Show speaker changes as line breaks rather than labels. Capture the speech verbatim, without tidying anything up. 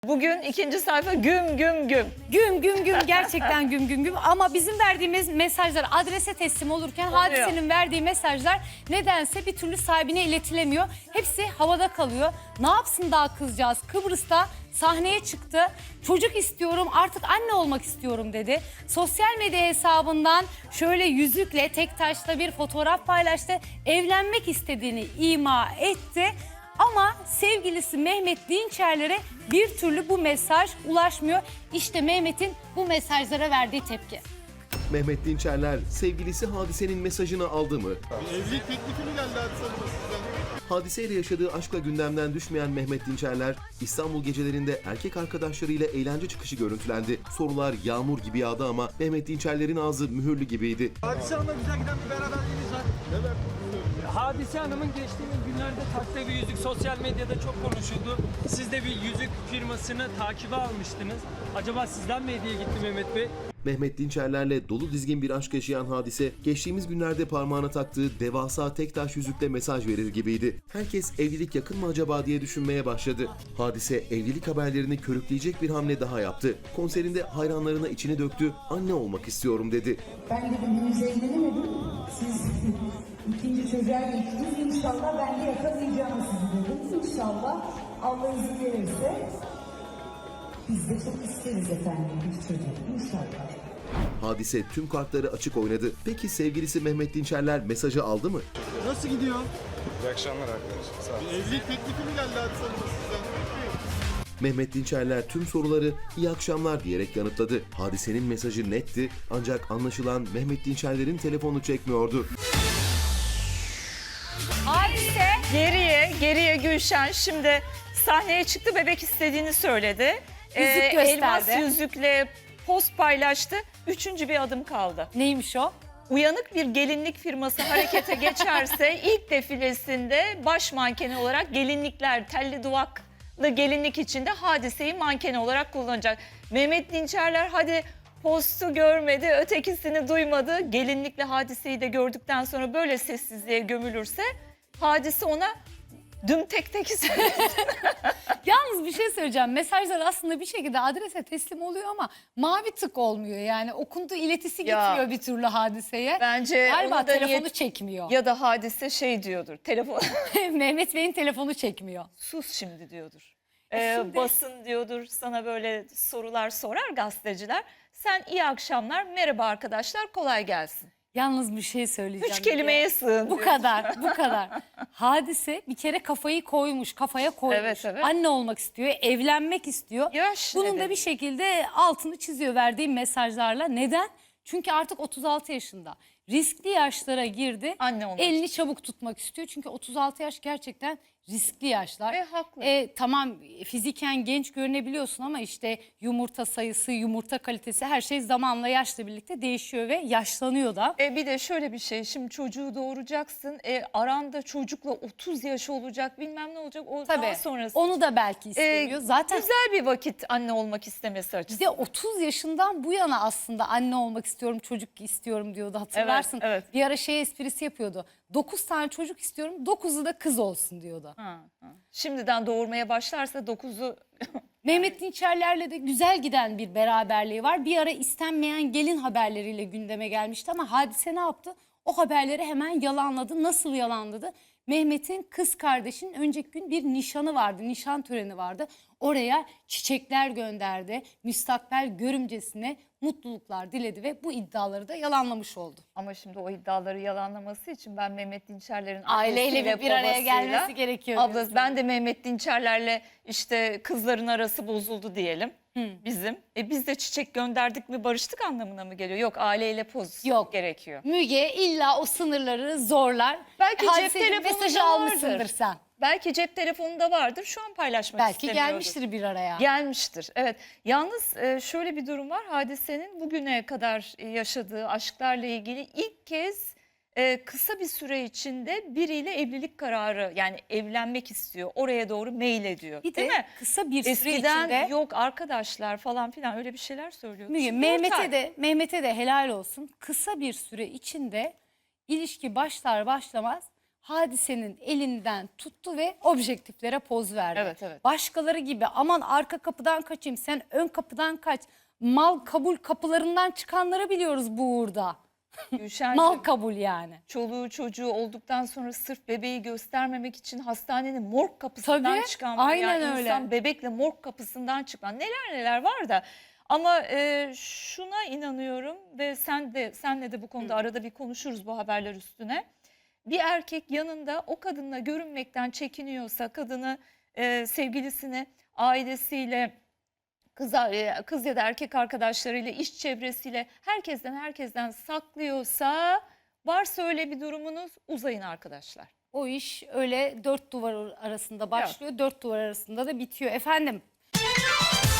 Bugün ikinci sayfa güm güm güm.
Güm güm güm gerçekten güm güm güm ama bizim verdiğimiz mesajlar adrese teslim olurken
Oluyor.
Hadise'nin verdiği mesajlar nedense bir türlü sahibine iletilemiyor. Hepsi havada kalıyor. Ne yapsın daha kızcağız? Kıbrıs'ta sahneye çıktı. Çocuk istiyorum, artık anne olmak istiyorum dedi. Sosyal medya hesabından şöyle yüzükle, tek taşla bir fotoğraf paylaştı. Evlenmek istediğini ima etti. Ama sevgilisi Mehmet Dinçerler'e bir türlü bu mesaj ulaşmıyor. İşte Mehmet'in bu mesajlara verdiği tepki.
Mehmet Dinçerler sevgilisi Hadise'nin mesajını aldı mı?
Bir evlilik teklifi mi geldi Hadise Hanım'a sizden?
Hadise ile yaşadığı aşkla gündemden düşmeyen Mehmet Dinçerler, İstanbul gecelerinde erkek arkadaşlarıyla eğlence çıkışı görüntülendi. Sorular yağmur gibi yağdı ama Mehmet Dinçerler'in ağzı mühürlü gibiydi.
Hadise Hanım'la güzel giden bir beraberliğiniz var. Evet.
Hadise Hanım'ın geçtiğimiz günlerde taktığı bir yüzük sosyal medyada çok konuşuldu. Siz de bir yüzük firmasını takibe almıştınız. Acaba sizden mi hediye gitti Mehmet Bey?
Mehmet Dinçerler'le dolu dizgin bir aşk yaşayan Hadise, geçtiğimiz günlerde parmağına taktığı devasa tek taş yüzükle mesaj verir gibiydi. Herkes evlilik yakın mı acaba diye düşünmeye başladı. Hadise evlilik haberlerini körükleyecek bir hamle daha yaptı. Konserinde hayranlarına içini döktü, anne olmak istiyorum dedi.
Ben dedim henüz evlenemedim. Siz ikinci çocuğa geçtiniz. İnşallah ben de yakalayacağım sizi dedim. İnşallah Allah izin verirse biz de çok isteriz efendim bir çocuk. İnşallah.
Hadise tüm kartları açık oynadı. Peki sevgilisi Mehmet Dinçerler mesajı aldı mı?
Nasıl gidiyor?
İyi akşamlar arkadaşlar. Sağ olun.
Bir evlilik teklifi mi geldi Hadise Hanım'a sizden?
Mehmet Dinçerler tüm soruları iyi akşamlar diyerek yanıtladı. Hadisenin mesajı netti ancak anlaşılan Mehmet Dinçerler'in telefonu çekmiyordu.
Hadise geriye geriye Gülşen şimdi sahneye çıktı, bebek istediğini söyledi.
Yüzük gösterdi.
Elmas yüzükle post paylaştı. Üçüncü bir adım kaldı.
Neymiş o?
Uyanık bir gelinlik firması harekete geçerse ilk defilesinde baş mankeni olarak gelinlikler, telli duvaklı gelinlik içinde Hadise'yi manken olarak kullanacak. Mehmet Dinçerler hadi postu görmedi, ötekisini duymadı. Gelinlikle Hadise'yi de gördükten sonra böyle sessizliğe gömülürse Hadise ona düm tek tek söyledi.
Yalnız bir şey söyleyeceğim. Mesajlar aslında bir şekilde adrese teslim oluyor ama mavi tık olmuyor. Yani okunduğu iletisi
Ya.
gitmiyor bir türlü Hadiseye.
Bence
Galiba
onu da
telefonu
niyet-
çekmiyor.
Ya da Hadise şey diyordur, telefon
Mehmet Bey'in telefonu çekmiyor.
sus şimdi diyordur.
E
Ee,
şimdi-
Basın diyordur, sana böyle sorular sorar gazeteciler. Sen iyi akşamlar, merhaba arkadaşlar, kolay gelsin.
Yalnız bir şey söyleyeceğim.
Üç kelimeye sığın
Bu
diyor.
kadar, bu kadar. Hadise bir kere kafayı koymuş, kafaya koymuş.
Evet, evet.
Anne olmak istiyor, evlenmek istiyor.
Yaş
Bunun da
nedeni.
bir şekilde altını çiziyor verdiği mesajlarla. Neden? Çünkü artık otuz altı yaşında. Riskli yaşlara girdi.
Anne olmak
Elini çabuk tutmak istiyor. Çünkü otuz altı yaş gerçekten riskli yaşlar.
Ve haklı.
E, tamam fiziken genç görünebiliyorsun ama işte yumurta sayısı, yumurta kalitesi her şey zamanla yaşla birlikte değişiyor ve yaşlanıyor da.
E bir de şöyle bir şey, şimdi çocuğu doğuracaksın, e, aranda çocukla otuz yaş olacak, bilmem ne olacak, o daha
Tabii
sonrası.
onu da belki
E,
istemiyor. Zaten
Güzel bir vakit anne olmak istemesi
bir
açısından.
de otuz yaşından bu yana aslında anne olmak istiyorum, çocuk istiyorum diyordu, hatırlarsın.
Evet, evet.
Bir ara şey esprisi yapıyordu. dokuz tane çocuk istiyorum, dokuzu da kız olsun diyordu.
Ha, ha. Şimdiden doğurmaya başlarsa dokuzu
Mehmet Dinçerler'le de güzel giden bir beraberliği var. Bir ara istenmeyen gelin haberleriyle gündeme gelmişti ama Hadise ne yaptı? O haberleri hemen yalanladı. Nasıl yalanladı? Mehmet'in kız kardeşinin önceki gün bir nişanı vardı, nişan töreni vardı. Oraya çiçekler gönderdi. Müstakbel görümcesine mutluluklar diledi ve bu iddiaları da yalanlamış oldu.
Ama şimdi o iddiaları yalanlaması için ben Mehmet Dinçerler'in
Aileyle
annesiyle,
bir, bir araya
babasıyla,
gelmesi gerekiyor.
Ablası,
diyorsun.
ben de Mehmet Dinçerler'le işte kızların arası bozuldu diyelim bizim. E biz de çiçek gönderdik mi barıştık anlamına mı geliyor? Yok, aileyle poz
Yok.
gerekiyor.
Müge illa o sınırları zorlar.
Belki cep
Hadisenin
telefonunda
mesajı almışsındır
vardır.
sen.
Belki cep telefonunda vardır, şu an paylaşmak
Belki
istemiyordur.
gelmiştir bir araya.
Gelmiştir, evet. Yalnız e, şöyle bir durum var. Hadise'nin bugüne kadar e, yaşadığı aşklarla ilgili ilk kez e, kısa bir süre içinde biriyle evlilik kararı, yani evlenmek istiyor. Oraya doğru mail ediyor.
Bir
değil
de
mi?
kısa bir süre
Eskiden
içinde
yok arkadaşlar falan filan öyle bir şeyler söylüyordu.
Müge,
Şimdi dört ay.
Mehmet'e de Mehmet'e de helal olsun. Kısa bir süre içinde ilişki başlar başlamaz Hadise'nin elinden tuttu ve objektiflere poz verdi.
Evet, evet.
Başkaları gibi aman arka kapıdan kaçayım, sen ön kapıdan kaç. Mal kabul kapılarından çıkanları biliyoruz bu uğurda.
Gülşen'cim,
Mal kabul yani.
çoluğu çocuğu olduktan sonra sırf bebeği göstermemek için hastanenin morg kapısından
Tabii,
çıkan var.
aynen
Yani
öyle.
İnsan bebekle morg kapısından çıkan neler neler var da. Ama e, şuna inanıyorum ve sen de senle de bu konuda arada bir konuşuruz bu haberler üstüne. Bir erkek yanında o kadınla görünmekten çekiniyorsa, kadını e, sevgilisini ailesiyle, kız, kız ya da erkek arkadaşlarıyla, iş çevresiyle herkesten herkesten saklıyorsa, varsa öyle bir durumunuz, uzayın arkadaşlar.
O iş öyle dört duvar arasında başlıyor, dört duvar arasında da bitiyor efendim.